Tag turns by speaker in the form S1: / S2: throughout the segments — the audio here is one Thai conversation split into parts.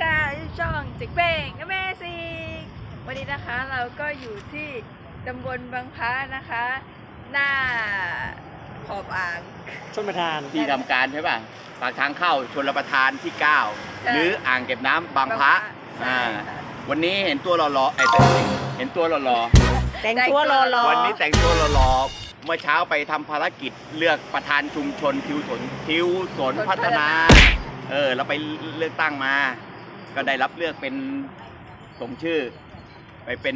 S1: ค่ะช่องจิกเป้งอเมซิ่งวันนี้นะคะเราก็อยู่ที่ตำบลบางพระนะคะ หน้าขอบอ่าง
S2: ชลประทาน
S3: ที่ทำการใช่ป่ะปากทางเข้าชลประทานที่ 9 หรืออ่างเก็บน้ำบางพระวันนี้เห็นตัวหล่อๆเห็นตัวหล่อ
S2: ๆแต่งตัวหล่อ
S3: ๆวันนี้แต่งตัวหล่อๆเมื่อเช้าไปทำภารกิจเลือกประธานชุมชนทิวสนพัฒนาเราไปเลือกตั้งมาก็ได้รับเลือกเป็นสมชื่อไปเป็น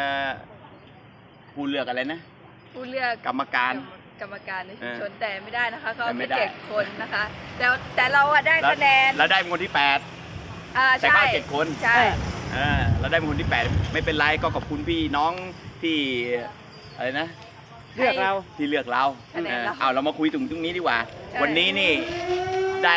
S3: ผู้เลือกอะไรนะ
S1: ผู้เลือก
S3: กรรมการ
S1: ในชุมชนแต่ไม่ได้นะคะเขาไม่7 คนนะคะแต่เราได้คะแนน
S3: เราได้เป็นคนที่8แต่เขา7 คน
S1: ใช่
S3: เราได้เป็นคนที่8ไม่เป็นไรก็ขอบคุณพี่น้องที่อะไรนะ
S2: เลือกเรา
S3: เอาเรามาคุยถึงตรงนี้ดีกว่าวันนี้นี่ได้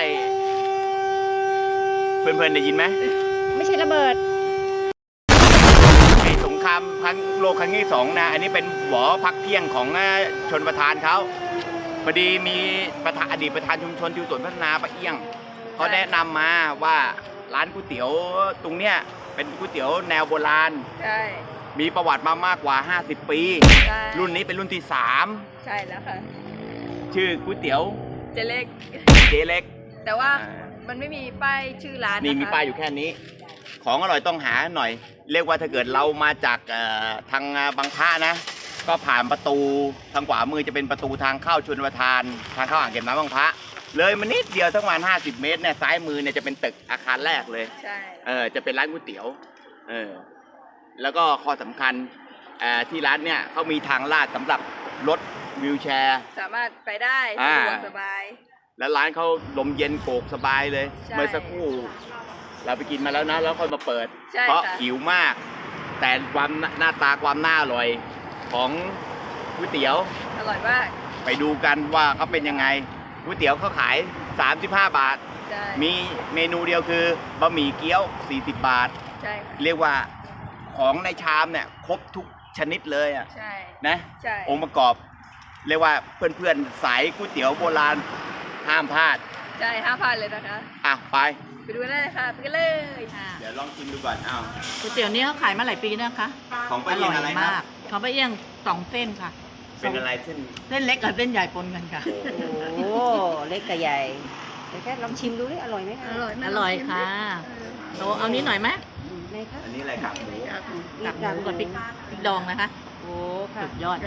S3: เพื่อนๆได้ยินไหม
S2: ไม่ใช่ระเบิด
S3: ไอ้สงครามครั้งโลกครั้งที่2นะอันนี้เป็นหวอพักเที่ยงของชนประธานเขาพอดีมีอดีตประธานชุมชนทิวสนพัฒนาป้าเอี้ยงเขาแนะนำมาว่าร้านก๋วยเตี๋ยวตรงเนี้ยเป็นก๋วยเตี๋ยวแนวโบราณ
S1: ใช่
S3: มีประวัติมามากกว่า50 ปีรุ่นนี้เป็นรุ่นที่3
S1: ใช่แล้วค่ะ
S3: ชื่อก๋วยเตี๋ยว
S1: เจเล็กแต่ว่ามันไม่มีป้ายชื่อร้าน
S3: นี่มีป้ายอยู่แค่นี้ของอร่อยต้องหาหน่อยเรียกว่าถ้าเกิดเรามาจากทางบางพระนะก็ผ่านประตูทางขวามือจะเป็นประตูทางเข้าชลประทานทางเข้าอ่างเก็บน้ำบางพระเลยมานิดเดียวสักประมาณ50 เมตรเนี่ยซ้ายมือเนี่ยจะเป็นตึกอาคารแรกเลย
S1: ใช่
S3: จะเป็นร้านก๋วยเตี๋ยวแล้วก็ข้อสำคัญที่ร้านเนี่ยเขามีทางลาดสำหรับรถวีลแชร์
S1: สามารถไปได้สะดวกสบาย
S3: แล้วร้านเขาลมเย็นโกกสบายเลยเมื่อสักครู่เราไปกินมาแล้วนะแล้วค่อยมาเปิดเพราะหิวมากแต่ความหน้าตาความน่าอร่อยของก๋วยเตี๋ยว
S1: อร่อยมาก
S3: ไปดูกันว่าเขาเป็นยังไงก๋วยเตี๋ยวเขาขาย35 บาทมีเมนูเดียวคือบะหมี่เกี๊ยว40 บาทเรียกว่าของในชามเนี่ยครบทุกชนิดเลยอ่ะนะองค์ประกอบเรียกว่าเพื่อนๆสายก๋วยเตี๋ยวโบราณห้ามพลาด
S1: ใช่ห้ามพลาดเลยนะคะไปดูได้เลยค่ะไปกันเลย
S3: เดี๋ยวลองกินดูก่อน
S4: ก๋วยเตี๋ยวนี้เขาขายมาหลายปีนะคะ
S3: ของป้าเอี้ยงอะไรครับ
S4: ของป้าเอี้ยง2 เส้นค่ะ
S3: เป็นอะไรเส้
S4: นเล็กกับเส้นใหญ่ปนกันค่ะ
S2: โอ้เล็กกับใหญ่เดี๋ยวแค่ลองชิมดูดิอร่อยไหมคะ
S4: อร่อยค่ะเอานี้หน่อยไหม
S3: อันนี้อะไรครับ
S4: กากหมูกับพริกดองนะคะ
S2: โอ้ค่ะ
S4: สุดยอด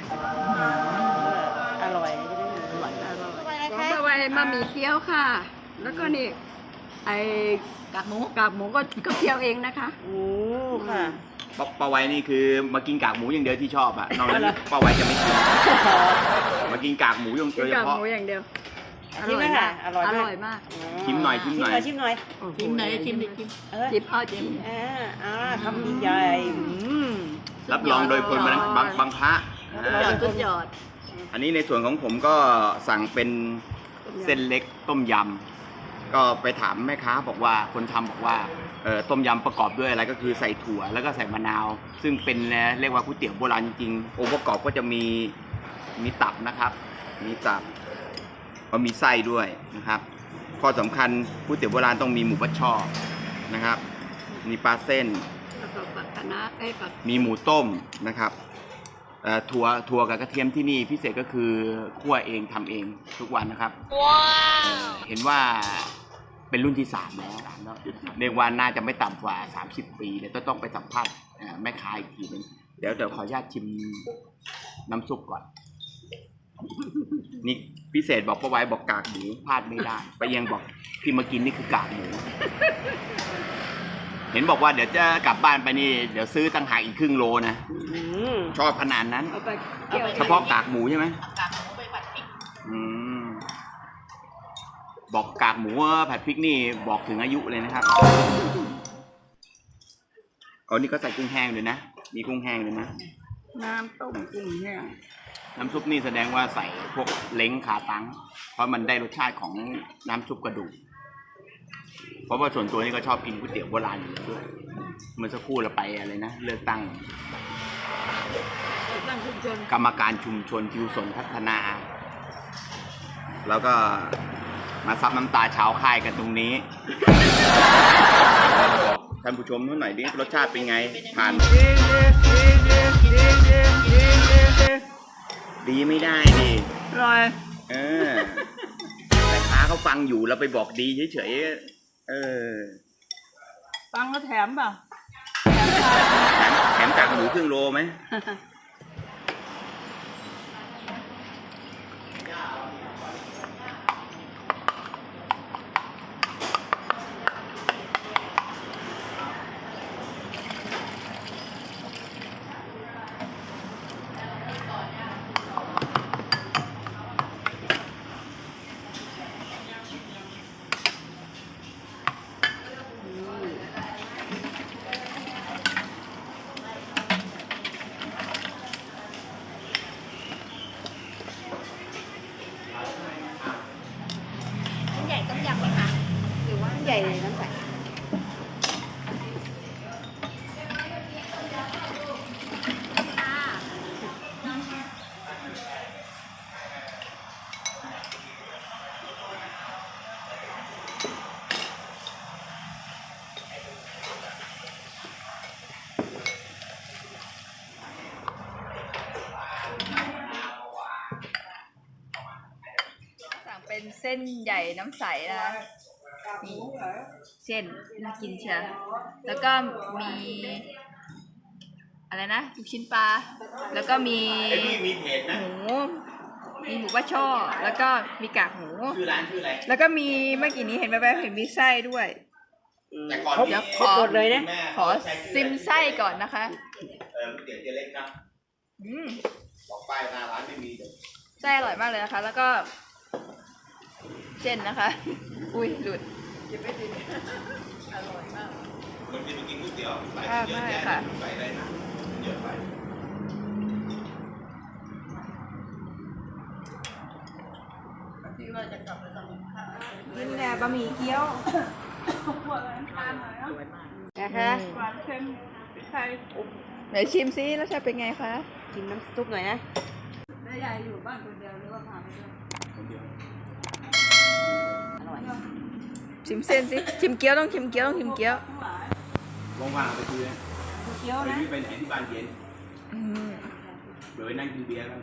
S2: อร่อย
S1: ของป้าไว้มามีเกี๊ยวค่ะแล้วก็นี่ไอ้กากหมูก็เคี่ยวเองนะคะ
S2: โอ้ค่ะ
S3: ป้าไว้นี่คือมากินกากหมูอย่างเดียวที่ชอบอ่ะนอกนั้นป้าไว้จะไม่กินมากินกากหมูอย่างเดียว
S1: กากหมูอย่างเดียว
S2: อร่อยมากอร่อยมาก
S3: ชิมหน่อย
S4: ชิมดิชิม
S2: คำใหญ่
S3: รับรองโดยคนบางพระ
S4: สุดยอด
S3: อันนี้ในส่วนของผมก็สั่งเป็นเส้นเล็กต้มยำก็ไปถามแม่ค้าบอกว่าคนทำบอกว่าต้มยำประกอบด้วยอะไรก็คือใส่ถั่วแล้วก็ใส่มะนาวซึ่งเป็นเรียกว่าก๋วยเตี๋ยวโบราณจริงๆองค์ประกอบก็จะมีตับนะครับมีตับก็มีไส้ด้วยนะครับข้อสำคัญก๋วยเตี๋ยวโบราณต้องมีหมูบัดช่อนะครับมีปลาเส้นมีหมูต้มนะครับถั่วกับกระเทียมที่นี่พิเศษก็คือคั่วเองทำเองทุกวันนะครับเห็นว่าเป็นรุ่นที่3แล้วเรียกว่าน่าจะไม่ต่ำกว่า30 ปีเดี๋ยวต้องไปสัมภาษณ์แม่ค้าอีกทีนึงเดี๋ยวขออนุญาตชิมน้ำซุปก่อนนี่พิเศษบอกป้าไว้บอกกากหมูพลาดไม่ได้ไปยังบอกที่มากินนี่คือกากหมูเห็นบอกว่าเดี๋ยวจะกลับบ้านไปนี่เดี๋ยวซื้อตั้งหากอีกครึ่งโลนะชอบขนาดนั้นเฉพาะกากหมูใช่ไหม
S4: กากหมูไปผัดพริก
S3: บอกกากหมูผัดพริกนี่บอกถึงอายุเลยนะครับนี่ก็ใส่กุ้งแห้งเลยนะมีกุ้งแห้งเลยนะ
S1: น้ำต้มกุ้งแห้ง
S3: น้ำซุปนี่แสดงว่าใส่พวกเล้งขาตั้งเพราะมันได้รสชาติของน้ำซุปกระดูกเพราะว่าส่วนตัวนี่ก็ชอบกินก๋วยเตี๋ยวโบราณอยู่ด้วยเมื่อสักครู่เราไปอะไรนะเลือกตั้งกรรมการชุมชนทิวสนพัฒนาแล้วก็มาซับน้ำตาชาวค่ายกันตรงนี้านผู้ชมเขาหน่อยดิรสชาติเป็นไงผ่านดีไม่ได้ดิ
S1: อร่อย
S3: เออแต่ค้าเขาฟังอยู่เราไปบอกดีเฉยๆ
S1: ฟังก็แถมเปล่า
S3: แถมกากหมูครึ่งโลไหม
S1: ใหญ่ต้มยำไหมคะหรือว่า
S2: ใหญ่น้ำใส
S1: สั่งเป็นเส้นใหญ่น้ำใสนะคะนี่เส้นน่ากินเชียวแล้วก็มีอะไรนะลูกชิ้นปลาแล้วก็มี
S3: ไอ้นี่มีเพจนะ
S1: หมูมีหมูบ้าช่อแล้วก็มีกากหมู
S3: ชื่อร้านชื่ออะไร
S1: แล้วก็มีเมื่อกี้นี้เห็นแว๊บๆเห็นมีไส้ด้วย
S3: แต่ก่อน
S1: เดี๋ยว
S3: นี้
S1: ขอ
S2: หมดเลยนะ
S3: แม่
S1: ขอซิมไส้ก่อนนะคะ
S3: ก๋วยเตี๋ยวเจ๊เล็กนะ
S1: อืม
S3: บอกป้ายหน้าร้านไม่มีเดี๋ยว
S1: ไส้อร่อยมากเลยนะคะ แล้วก็เส้นนะคะ อุ้ยหลุด
S3: คนที่ไปกินก๋วยเตี๋ยวใส่
S1: ค่ะ
S3: เยอะ
S1: ไม่
S3: แยะ
S1: ค่ะ
S3: ใส่อะไรนะเยอะไป
S2: กินแต่บะหมี่เกี๊ยวนะคะ
S1: ไหนชิมซิรสชาติเป็นไงคะ
S2: กินน้ำซุปหน่อยนะ อร่อย
S1: ชิมเส้นสิชิมเกี๊ยวต้องชิมเกี๊ยวต้องชิมเกี๊ยว
S3: ว่างๆไปคุยนะ
S2: เกี๊ยว
S3: ไป
S2: นะ
S3: ที่ไปไหนที่บ้านเย็น
S1: อืม
S3: เดี๋ยวไปนั่งกินเบียร์กัน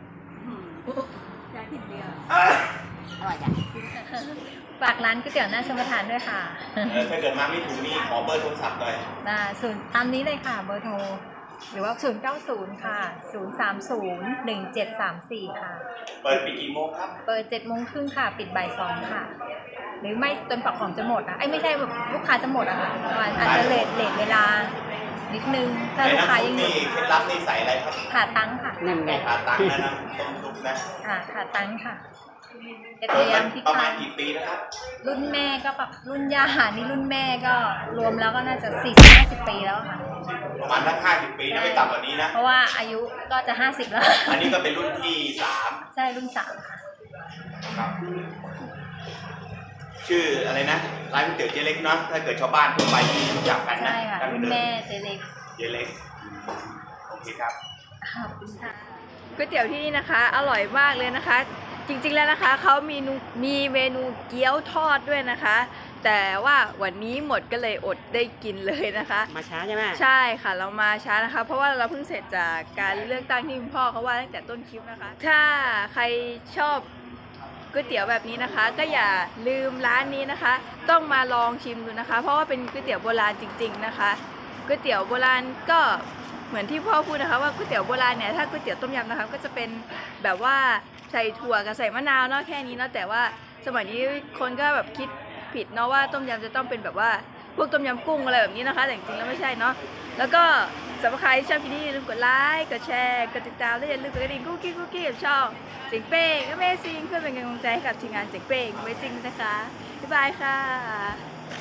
S2: อร่อยจ้ะ
S5: ฝากร้านก๋วยเตี๋ยวหน้าชมประทานด้วยค่ะ
S3: ถ้าเกิดมาไม่ถูกนี่ขอเบอร์โทรศัพท์หน่อย
S5: ศูนย์ตามนี้เลยค่ะเบอร์โทร หรือว่า 090 ค่ะ 030 1734 ค่ะ
S3: เปิดปิดกี่โมงครับ
S5: เปิด7โมงครึ่งค่ะ ปิดบ่าย2ค่ะ หรือไม่จนปักของจะหมดอ่ะไม่ใช่แบบลูกค้าจะหมดอะค่ะอาจจะเลทเวลานิดนึง ถ้าลูกค้ายังอยู่
S3: นี่เคล็ดลับนี่ใส่อะไรครับ
S5: ขาตั้งค่ะ
S2: นั่นไง
S3: ขาตังนะนะต้มซุปนะ
S5: ขาตั้งค่ะกระเทียมพริก
S3: ประ
S5: ไท
S3: มาณ
S5: ย
S3: กี่ปีนะครับ
S5: รุ่นแม่ก็แบบรุ่นย่านี่รุ่นแม่ก็รวมแล้วก็น่าจะ 40-50 ปีแล้วค่ะ
S3: ประมาณสัก50 ปีนะไม่ต่ำกว่านี้นะ
S5: เพราะว่าอายุก็จะ 50 แล้ว
S3: อันนี้ก็เป็นรุ่นที่3
S5: ใช่รุ่น3ค่ะ
S3: ครับ ชื่ออะไรนะร้านก๋วยเตี๋ยวเจ๊เล็กเนาะถ้าเกิดชาวบ้านทั่วไปที่รู้จักกันนะ
S5: ใช่ค่ะ รุ่นแม่เจเล็ก
S3: เจ๊เล็กโอเคครับ
S5: ขอบคุณค่ะ
S1: ก๋วยเตี๋ยวที่นี่นะคะ อร่อยมากเลยนะคะ จริงๆแล้วนะคะเขามีเมนูเกี๊ยวทอดด้วยนะคะ แต่ว่าวันนี้หมดก็เลยอดได้กินเลยนะคะ
S2: มาช้าใช่ไหม
S1: ใช่ค่ะเรามาช้านะคะ เพราะว่าเราเพิ่งเสร็จจากการเลือกตั้งที่คุณพ่อเขาว่าตั้งแต่ต้นคลิปนะคะ ถ้าใครชอบก๋วยเตี๋ยวแบบนี้นะคะ ก็อย่าลืมร้านนี้นะคะ ต้องมาลองชิมดูนะคะ เพราะว่าเป็นก๋วยเตี๋ยวโบราณจริง ๆนะคะก๋วยเตี๋ยวโบราณก็เหมือนที่พ่อพูดนะคะว่าก๋วยเตี๋ยวโบราณเนี่ยถ้าก๋วยเตี๋ยวต้มยำนะคะก็จะเป็นแบบว่าใส่ถั่วกับใส่มะนาวเนาะแค่นี้เนาะแต่ว่าสมัยนี้คนก็แบบคิดผิดเนาะว่าต้มยำจะต้องเป็นแบบว่าพวกต้มยำกุ้งอะไรแบบนี้นะคะแต่จริงๆแล้วไม่ใช่เนาะแล้วก็สำหรับใครที่ชอบคลิปนี้อย่าลืมกดไลค์กดแชร์กดติดตามและอย่าลืมกดกระดิ่งกุ๊กกิ๊กกับช่องเจ๋งเป้ง Amazing เพื่อเป็นกำลังใจให้กับทีมงานเจ๋งเป้ง Amazing นะคะบ๊ายบายค่ะ